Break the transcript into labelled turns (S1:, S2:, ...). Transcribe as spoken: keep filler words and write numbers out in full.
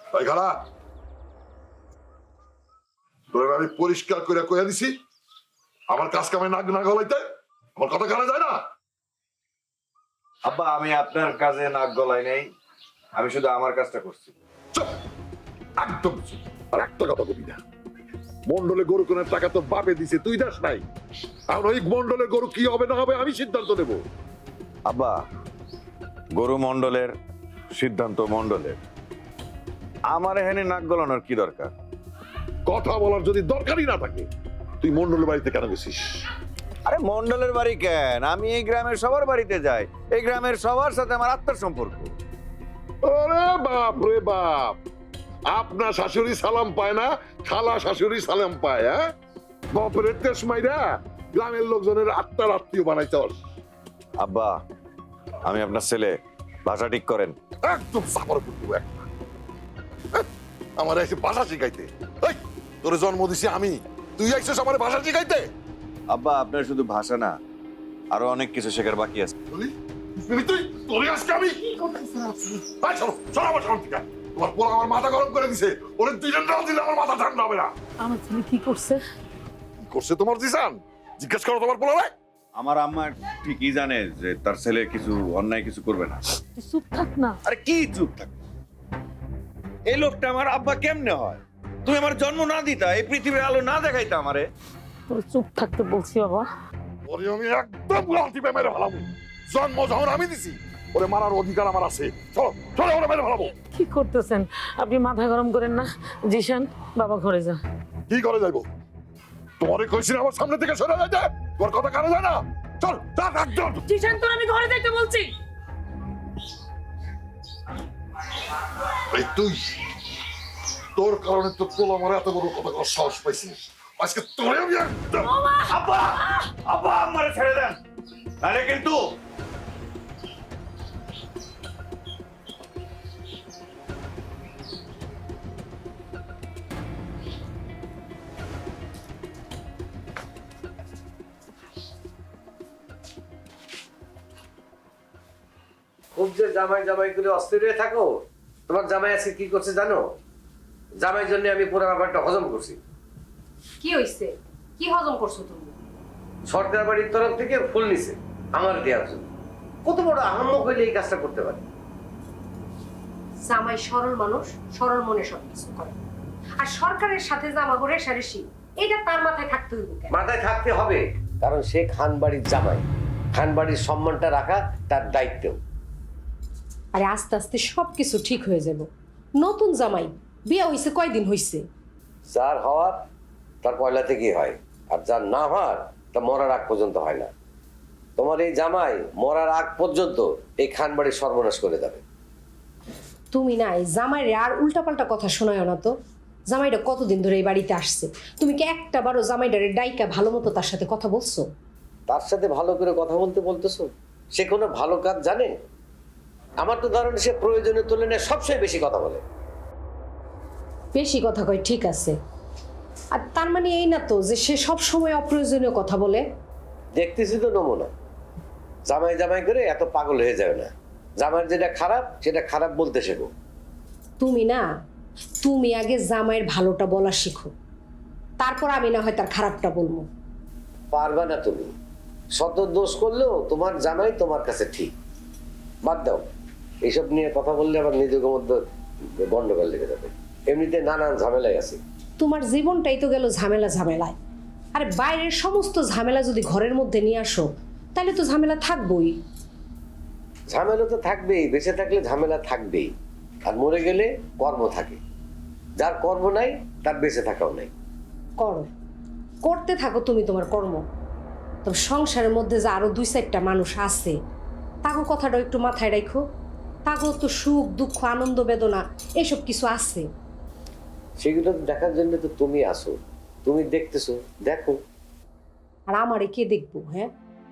S1: তাই খালা তোর আমি পরিষ্কার করে কইয়া দিছি আমার কাজ কামে নাক না গলাইতে আমার কথা কানে যায় না।
S2: আব্বা আমি আপনার কাজে নাক গলাই নাই, আমি শুধু আমার কাজটা করছি।
S1: চুপ, একদম চুপ। আর একটা কথা বলি না, মন্ডলে গরু কেনার টাকা তোর বাপে দিছে, তুই দাস নাই। আর ওই মন্ডলে গরু কি হবে না হবে আমি সিদ্ধান্ত নেব।
S2: আব্বা গরু মন্ডলের সিদ্ধান্ত মন্ডলের, আমার এখানে নাক গলানোর কি দরকার?
S1: কথা বলার যদি দরকারই না থাকে তুই মন্ডলের বাড়িতে কেন গেছিস?
S2: আরে মন্ডলের বাড়ি কেন, আমি এই গ্রামের সবার বাড়িতে যাই, এই গ্রামের সবার সাথে আমার আত্মার সম্পর্ক।
S1: ওরে বাপ রে বাপ, আপনার শাশুড়ি সালাম পায় না, খালা শাশুড়ি সালাম পায়। হ্যাঁ, বাপরের তেস মাইরা গ্রামের লোকজনের আত্মার আত্মীয় বানাইছস।
S2: আব্বা আমি আপনার ছেলে, ভাষা ঠিক করেন।
S1: একদম সাফার করতে একটা আমার এসে ভাষা শিখাইতে। এই তোর জন্ম দিছি আমি, তুই আইছিস আমার ভাষা শিখাইতে?
S2: আব্বা আপনার শুধু ভাষা না, আরো অনেক কিছু শেখার বাকি আছে।
S1: তুই তুই তোর আজকে আমি এই চলো চলো আমার সামনে থেকে। তোমার পোলা আমার মাথা গরম করে দিছে, ওরে দুইজন রাত দিলে আমার মাথা ঠান্ডা হবে না।
S3: আমার ছেলে কি করছে?
S1: কি করছে তোমার দিশান? জিজ্ঞেস করো তোমার পোলা ভাই।
S2: আমার আম্মা ঠিকই জানে যে তার ছেলে কিছু অন্যায় কিছু করবে না।
S3: তুই চুপ থাক না।
S2: আরে কি চুপ থাক, এই লোকটা আমার আব্বা কেমনে হয়? তুমি আমার জন্ম না দিতা, এই পৃথিবীর আলো না দেখাইতা আমারে।
S3: তোর চুপ থাকতে বলছি বাবা।
S1: ওরে আমি একদম লাঠি পে মেরে ফেলাবো। জন্ম যখন আমি দিছি ওরে মারার অধিকার আমার আছে। চলো চলো ওরে মেরে ফেলাবো।
S3: কি করতেছেন আপনি? মাথা গরম করেন না জিশান, বাবা ঘরে যা।
S1: কি করে যাইবো? তোমারে কইছি না আমার সামনে থেকে সরে যাইতে, তোর কথা কানে যায় না। চল চল একদম।
S3: জিশান তোর আমি ঘরে যাইতে বলছি।
S1: এই তুই তোর কারণে তো পোলা আমার এত বড় কথা করার সাহস পাইছিস, আজকে তোরে আমি একদম।
S2: আব্বা আব্বা আমারে ছেড়ে দেন, আরে কিন্তু
S4: খুব যে জামাই জামাই করে অস্থির হয়ে থাকো, তোমার জামাই আজকে কি করছে জানো? জামাই জন্য আমি পুরো ব্যাপারটা হজম করছি।
S5: কি হইছে? কি হজম করছো তুমি?
S4: সরকার বাড়ির তরফ থেকে ফুল নিছে আমার দেওয়ার জন্য। কত বড় আহাম্মক হইলে এই কাজটা করতে পারে?
S5: জামাই সরল মানুষ, সরল মনে সব কিছু করে। আর সরকারের সাথে জামা করে সারেসি, এটা তার মাথায় থাকতে হইব কেন?
S4: মাথায় থাকতে হবে, কারণ সে খান বাড়ির জামাই। খান বাড়ির সম্মানটা রাখা তার দায়িত্ব।
S5: আরে আস্তে আস্তে সবকিছু ঠিক হয়ে যাব। নতুন জামাই, বিয়ে হইছে কয়দিন হইছে?
S4: যার হওয়ার তার পয়লা থেকেই হয়, আর যার না হওয়ার তা মরার আগ পর্যন্ত হয় না। তোমার এই জামাই মরার আগ পর্যন্ত এই খান বাড়ির সর্বনাশ করে যাবে।
S5: তুমি না এই জামাইরে আর উল্টাপাল্টা কথা শোনায় না তো। জামাইটা কতদিন ধরে এই বাড়িতে আসছে, তুমি কি একটা বারো জামাইটারে ডাইকা ভালো মতো তার সাথে কথা বলছো?
S4: তার সাথে ভালো করে কথা বলতে বলতেছো? সে কোনো ভালো কাজ জানে? আমার তো ধারণা সে প্রয়োজনের তুলনায় সবচেয়ে বেশি কথা বলে।
S5: বেশি কথা কয় ঠিক আছে, আর তার মানে এই না তো যে সে সব সময় অপ্রয়োজনীয় কথা বলে।
S4: দেখতেছি তো নমুনা। জামাই জামাই করে এত পাগল হয়ে যাবে না। জামাইয়ের যেটা খারাপ সেটা খারাপ বলতে শেখো।
S5: তুমি না, তুমি আগে জামাইয়ের ভালোটা বলা শিখো, তারপর আমি না হয় তার খারাপটা বলবো।
S4: পারবা না তুমি। শত দোষ করলেও তোমার জামাই তোমার কাছে ঠিক। বাদ দাও, এইসব নিয়ে কথা বললে আবার নিজেদের মধ্যে গন্ডগোল লেগে যাবে। এমনিতে নানান ঝামেলায় আছে।
S5: তোমার জীবনটাই তো গেল ঝামেলা ঝামেলায়। আরে বাইরের সমস্ত ঝামেলা যদি ঘরের মধ্যে নিয়ে আসো তাহলে তো ঝামেলা থাকবোই।
S4: ঝামেলা তো থাকবেই, বেঁচে থাকলে ঝামেলা থাকবেই। আর মরে গেলে কর্ম থাকে। যার কর্ম নাই তার বেঁচে থাকাও নাই।
S5: করো, করতে থাকো তুমি তোমার কর্ম। তবে সংসারের মধ্যে যে আরো দুই চারটা মানুষ আছে, তাকে কথাটা একটু মাথায় রাখো। তাকেও তো সুখ দুঃখ আনন্দ বেদনা এসব কিছু আছে।
S4: সেগুলো দেখার জন্য তো তুমি আসো, তুমি দেখতেছো, দেখো।
S5: আর আমারে কে দেখবো? হ্যাঁ,